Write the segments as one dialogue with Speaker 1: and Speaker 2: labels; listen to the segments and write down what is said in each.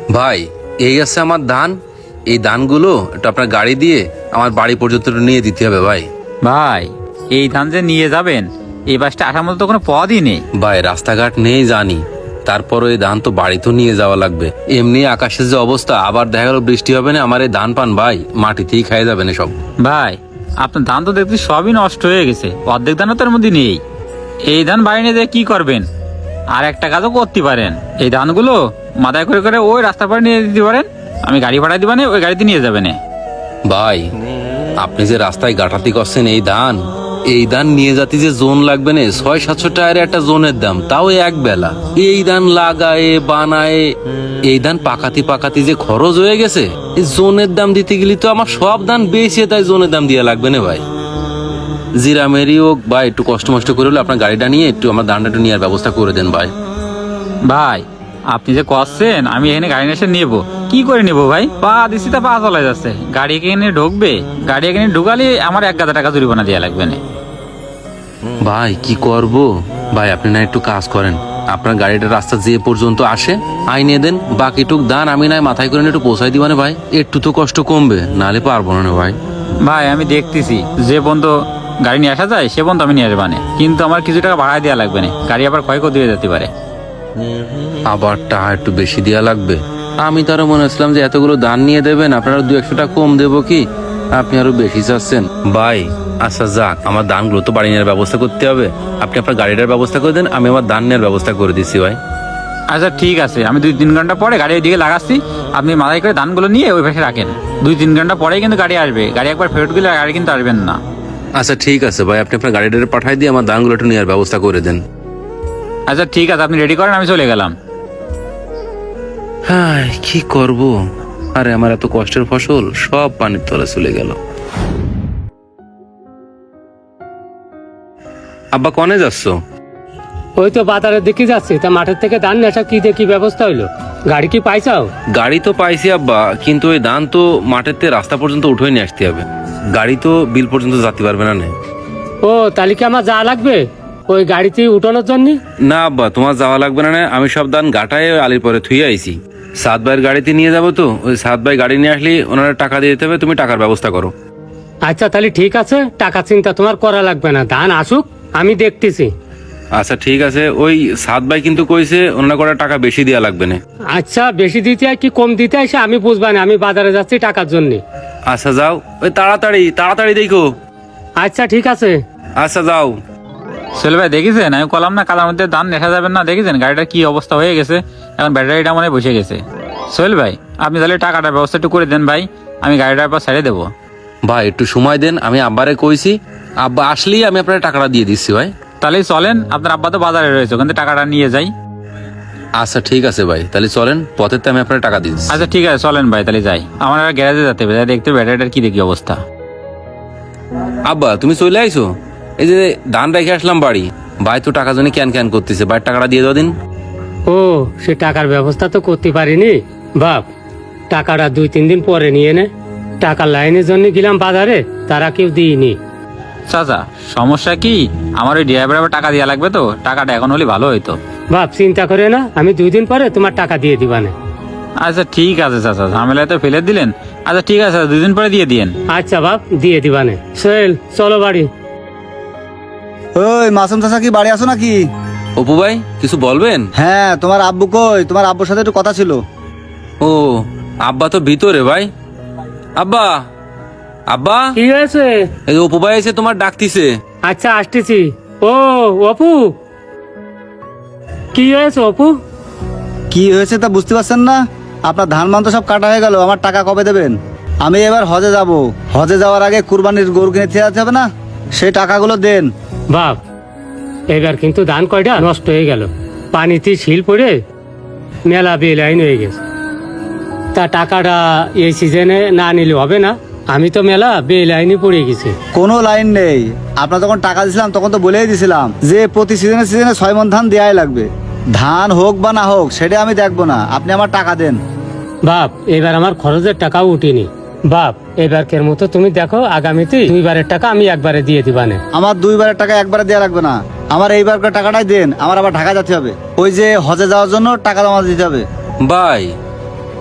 Speaker 1: ভাই এই আছে আমার ধান, এই ধানগুলো একটু আপনার গাড়ি দিয়ে আমার বাড়ি পর্যন্ত একটু নিয়ে দিতে হবে ভাই।
Speaker 2: ভাই এই ধান যে নিয়ে যাবেন, এই বাসটা আসার মতো তো কোনো পথই নেই।
Speaker 1: ভাই রাস্তাঘাট নেই জানি, তারপর এই ধান তো বাড়ি তো নিয়ে যাওয়া লাগবে। এমনি আকাশের যে অবস্থা, আবার দেখা গেল বৃষ্টি হবে না, আমার এই ধান পান ভাই মাটিতেই খাই যাবে না সব।
Speaker 2: ভাই আপনার ধান তো দেখছি সবই নষ্ট হয়ে গেছে, অর্ধেক ধানও তার মধ্যে নেই। এই ধান বাড়ি নিয়ে যেয়ে কি করবেন? আর একটা কাজও করতে পারেন, এই ধানগুলো মাথায় করে করে ওই রাস্তার পাড়ে নিয়ে দিতে পারেন, আমি গাড়ি ভাড়া দিবানে, ওই গাড়িতে নিয়ে যাবেন।
Speaker 1: ভাই আপনি যে রাস্তায় গাঁটাতি করছেন এই ধান নিয়ে যাতে যে জোন লাগবে না, 600-700 টাকার একটা জোনের দাম, তাও এক বেলা। এই ধান লাগায় বানায়, এই ধান পাকাতি যে খরচ হয়ে গেছে, এই জোনের দাম দিতে গেলে তো আমার সব ধান বেশি, তাই জোনের দাম দিয়া লাগবে না ভাই। জিরামেরি হোক ভাই, একটু কষ্ট মষ্ট করে হলে আপনার গাড়িটা নিয়ে একটু আমার ধানটা একটু নেওয়ার ব্যবস্থা করে দেন ভাই।
Speaker 2: ভাই আপনি যে করছেন, আমি এখানে গাড়ি এসে নেবো, কি করে নেবো ভাই? পা দিছি তা পা চলে যাচ্ছে, গাড়ি এখানে ঢুকবে, গাড়ি এখানে ঢুকালে আমার 1,000 টাকা জরিমানা দেওয়া লাগবে না।
Speaker 1: ভাই কি করব ভাই, আপনি না একটু কাজ করেন, আপনার গাড়িটা রাস্তা যে পর্যন্ত আসে আইনে দেন, বাকিটুক দান আমি নাই মাথায় করে একটু পৌঁছাই দিবানে ভাই, একটু তো কষ্ট কমবে, নালে পারবো না ভাই।
Speaker 2: ভাই আমি দেখতেছি যে বন্ধু গাড়ি নিয়ে আসা যায় সে বন্ধু আমি নিয়ে আসবানে, কিন্তু আমার কিছু টাকা ভাড়া দেওয়া লাগবে না, গাড়ি আবার ক্ষয়ক্ষতি হয়ে যেতে পারে।
Speaker 1: আবার টাকা একটু বেশি দেওয়া লাগবে? আমি তো আরো মনে হচ্ছিলাম যে এতগুলো দান নিয়ে দেবেন, আপনারা 200-100 টাকা কম দেবো কি, আপনি আরো বেশি চাচ্ছেন ভাই। আচ্ছা যাক, আমার দানগুলো তো বাড়ি নেওয়ার ব্যবস্থা করতে হবে, আপনি আপনার গাড়িটার ব্যবস্থা করে দেন, আমি আমার দান নেওয়ার ব্যবস্থা করে দিচ্ছি ভাই।
Speaker 2: আচ্ছা ঠিক আছে, আমি 2-3 ঘন্টা পরে গাড়ি ওইদিকে লাগাচ্ছি, আপনি মাথায় করে ধানগুলো নিয়ে ওই পাশে রাখেন, 2-3 ঘন্টা পরেই কিন্তু গাড়ি আসবে, গাড়ি একবার ফেরত গেলে গাড়ি কিন্তু আসবেন না।
Speaker 1: আচ্ছা ঠিক আছে ভাই, আপনি আপনার গাড়িটা পাঠাই দিয়ে আমার দানগুলো একটু নেওয়ার ব্যবস্থা করে দেন।
Speaker 2: আচ্ছা ঠিক আছে, আপনি রেডি করেন, আমি চলে গেলাম।
Speaker 1: হ্যাঁ কি করব, আরে আমার এত কষ্টের ফসল সব পানির তলে চলে গেল। আব্বা কনে যাচ্ছ?
Speaker 3: ওই তো বাজারের দিকে যাচ্ছি, তা মাঠের থেকে ধান নেশা কি দেখি ব্যবস্থা হইলো? গাড়ি কি পাইছাও?
Speaker 1: গাড়ি তো পাইছি আব্বা, কিন্তু ওই ধান তো মাঠের থেকে রাস্তা পর্যন্ত উঠে নিয়ে আসতে হবে, গাড়ি তো বিল পর্যন্ত যেতে পারবে না।
Speaker 3: ও তাহলে কি আমার যা লাগবে ওই গাড়িতে উঠানোর জন্য?
Speaker 1: না আব্বা, তোমার যাওয়া লাগবে না, আমি সব ধান গাটায় আলির পরে থুয়ে আইছি, সাত ভাইয়ের গাড়িতে নিয়ে যাবো, তো ওই সাত ভাই গাড়ি নিয়ে আসলে ওনারা টাকা দিয়ে দিতে হবে, তুমি টাকার ব্যবস্থা করো।
Speaker 3: আচ্ছা তাহলে ঠিক আছে, টাকা চিন্তা তোমার করা লাগবে না, ধান আসুক আমি দেখতেছি।
Speaker 1: আচ্ছা ঠিক আছে, ওই সাত ভাই কিন্তু কইছে ওনারা করে টাকা বেশি দেওয়া লাগবে না।
Speaker 3: আচ্ছা বেশি দিতে হয় কি কম দিতে হয় সে আমি বুঝবা না, আমি বাজারে যাচ্ছি টাকার জন্য।
Speaker 1: আচ্ছা যাও, ওই তাড়াতাড়ি দেখো।
Speaker 3: আচ্ছা ঠিক আছে।
Speaker 1: আচ্ছা যাও।
Speaker 2: সোহেল ভাই দেখেছেন, আমি কলাম না কালার মধ্যে ধান দেখা যাবেন না, দেখেছেন গাড়িটার কি অবস্থা হয়ে গেছে, এখন ব্যাটারিটা মনে হয় বসে গেছে। সোহেল ভাই আপনি তাহলে টাকাটার ব্যবস্থা একটু করে দেন ভাই, আমি গাড়িটার পর ছেড়ে দেবো।
Speaker 1: ভাই একটু সময় দেন, আমি আব্বারে কইছি, আব্বা আসলেই আমি আপনার টাকাটা দিয়ে দিচ্ছি ভাই।
Speaker 2: তাহলে চলেন, আপনার আব্বা তো বাজারে রয়েছে, ওখান থেকে টাকাটা নিয়ে যাই।
Speaker 1: আচ্ছা ঠিক আছে ভাই, তাহলে চলেন, পথের তো আমি আপনার টাকা দিচ্ছি।
Speaker 2: আচ্ছা ঠিক আছে চলেন ভাই, তাহলে যাই, আমার আর গ্যারেজে যেতে হবে, যাই দেখতে ব্যাটারিটার কি দেখি অবস্থা।
Speaker 1: আব্বা তুমি চলে আইছো, এই যে ধান রেখে আসলাম বাড়ি, ভাই তো টাকা জন্য ক্যান করতেছে, ভাই টাকাটা দিয়ে দাও দিন।
Speaker 3: ও সে টাকার ব্যবস্থা তো করতে পারিনি বাপ, টাকাটা 2-3 দিন পরে নিয়ে নে, টাকার লাইনের জন্য গেলাম বাজারে, তারা কেউ দিইনি।
Speaker 2: চাচা সমস্যা কি, আমার ওই ড্রাইভার আবার টাকা দেওয়া লাগবে, তো টাকাটা এখন হলে ভালো হইতো।
Speaker 3: বাপ চিন্তা করে না, আমি 2 দিন পরে তোমার টাকা দিয়ে দিবানে।
Speaker 2: আচ্ছা ঠিক আছে চাচা, ঝামেলায় তো ফেলে দিলেন, আচ্ছা ঠিক আছে 2 দিন পরে দিয়ে দিয়েন।
Speaker 3: আচ্ছা বাপ দিয়ে দিবানে। সোহেল চলো বাড়ি।
Speaker 4: ওই মাসুম চাচা কি বাড়ি আসো নাকি?
Speaker 1: অপু ভাই কিছু বলবেন?
Speaker 4: হ্যাঁ, তোমার আব্বু কই? তোমার আব্বুর সাথে একটু কথা ছিল।
Speaker 1: ও আব্বা তো ভিতরে ভাই। আব্বা আব্বা,
Speaker 3: কি হয়েছে?
Speaker 1: এই যে অপু ভাই এসে তোমার ডাকতিছে।
Speaker 3: আচ্ছা আসতেছি। ও অপু, কি হয়েছে অপু?
Speaker 4: কি হয়েছে তা বুঝতে পারছেন না? আপনার ধান মান তো সব কাটা হয়ে গেল, আমার টাকা কবে দেবেন? আমি এবার হজে যাব, হজে যাওয়ার আগে কুরবানির গরু কিনে খেতে হবে না, সেই টাকাগুলো দেন।
Speaker 3: বাপ এবার কিন্তু ধান কয়টা নষ্ট হয়ে গেল, পানিতে শিল পড়ে মেলা বেলাইন হয়ে গেছে, তা টাকাটা এই সিজনে না নিলে হবে না, আমি তো মেলা বেলাইনে পড়ে গেছি।
Speaker 4: কোনো লাইন নেই, আপনার যখন টাকা দিছিলাম তখন তো বলেই দিছিলাম যে প্রতি সিজনে 6 মণ ধান দেওয়াই লাগবে, ধান হোক বা না হোক সেটা আমি দেখবো না, আপনি আমার টাকা দেন।
Speaker 3: বাপ এবার আমার খরচের টাকাও উঠিনি, বাপ এবারকের মতো তুমি দেখো, আগামীতে 2 বারের টাকা আমি একবারে দিয়ে দিবানে।
Speaker 4: আমার 2 বারের টাকা একবারে দেওয়া লাগবে না, আমার এইবারকার টাকাটাই দেন, আমার আবার ঢাকা যেতে হবে, ওই যে হজে যাওয়ার জন্য টাকা জমা দিতে হবে।
Speaker 1: ভাই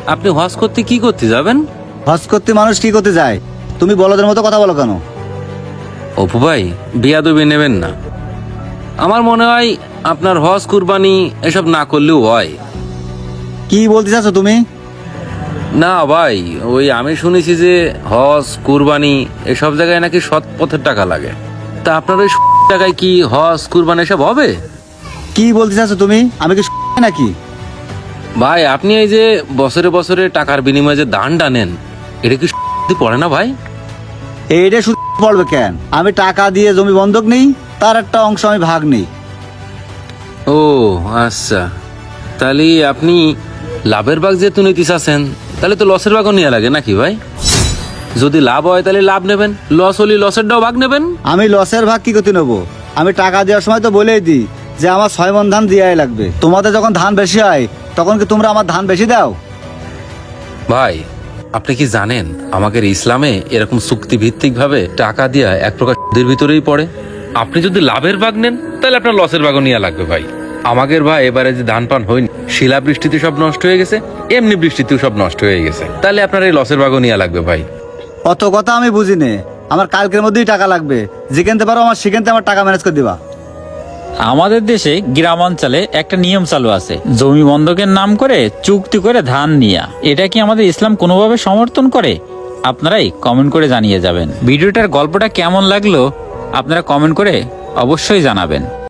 Speaker 1: আপনি হজ করতে কি করতে যাবেন?
Speaker 4: হজ করতে মানুষ কি করতে যায়? তুমি বলদের মতো কথা বলো কেন?
Speaker 1: অপু ভাই, বিয়াদবি নেবেন না। আমার মনে হয় আপনার হজ কুরবানি এসব না করলেও হয়।
Speaker 4: কি বলতে চাচ্ছ তুমি?
Speaker 1: না ভাই, ওই আমি শুনেছি যে হজ কুরবানি এসব জায়গায় নাকি সৎ পথের টাকা লাগে। তা আপনার ওই টাকায় কি হজ কুরবানি এসব হবে?
Speaker 4: কি বলতে চাচ্ছ তুমি? আমি কি নাকি?
Speaker 1: ভাই, আপনি এই যে বছরে বছরে টাকার বিনিময়ে যে দানটা নেন, এটা কি পড়ে না ভাই?
Speaker 4: এইটা শুধু পড়বে কেন? আমি টাকা দিয়ে জমি বন্ধক নেই, তার একটা অংশ আমি ভাগ নেই।
Speaker 1: ও আচ্ছা, তাহলে আপনি লাভের ভাগ যেহেতু নিতে চাচ্ছেন, তাহলে তো লসের ভাগও নেওয়া লাগে নাকি ভাই? যদি লাভ হয় তাহলে লাভ নেবেন, লস হলে লসেরটাও ভাগ নেবেন।
Speaker 4: আমি লসের ভাগ কি করতে নেবো? আমি টাকা দেওয়ার সময় তো বলেই দিই যে আমার 6 মণ ধান দেওয়াই লাগবে। তোমাদের যখন ধান বেশি হয় তখন কি তোমরা আমার ধান বেশি দাও?
Speaker 1: ভাই, আপনি কি জানেন আমাদের ইসলামে এরকম চুক্তি ভিত্তিক ভাবে টাকা দেওয়া এক প্রকার সুদের ভিতরেই পড়ে। আপনি যদি লাভের ভাগ নেন তাহলে আপনার লসের ভাগও নেওয়া লাগবে ভাই। আমাদের ভাই এবারে যে ধান পান হয়নি, শিলা বৃষ্টিতে সব নষ্ট হয়ে গেছে, এমনি বৃষ্টিতেও সব নষ্ট হয়ে গেছে, তাহলে আপনার এই লসের ভাগও নেওয়া লাগবে ভাই।
Speaker 4: অত কথা আমি বুঝি নে। আমার কালকের মধ্যেই টাকা লাগবে। যেখানতে পারো আমার সেখানতে আমার টাকা ম্যানেজ করে দিবা।
Speaker 2: আমাদের দেশে গ্রামাঞ্চলে একটা নিয়ম চালু আছে, জমি বন্ধকের নাম করে চুক্তি করে ধান নিয়া। এটা কি আমাদের ইসলাম কোনোভাবে সমর্থন করে? আপনারাই কমেন্ট করে জানিয়ে যাবেন। ভিডিওটার গল্পটা কেমন লাগলো আপনারা কমেন্ট করে অবশ্যই জানাবেন।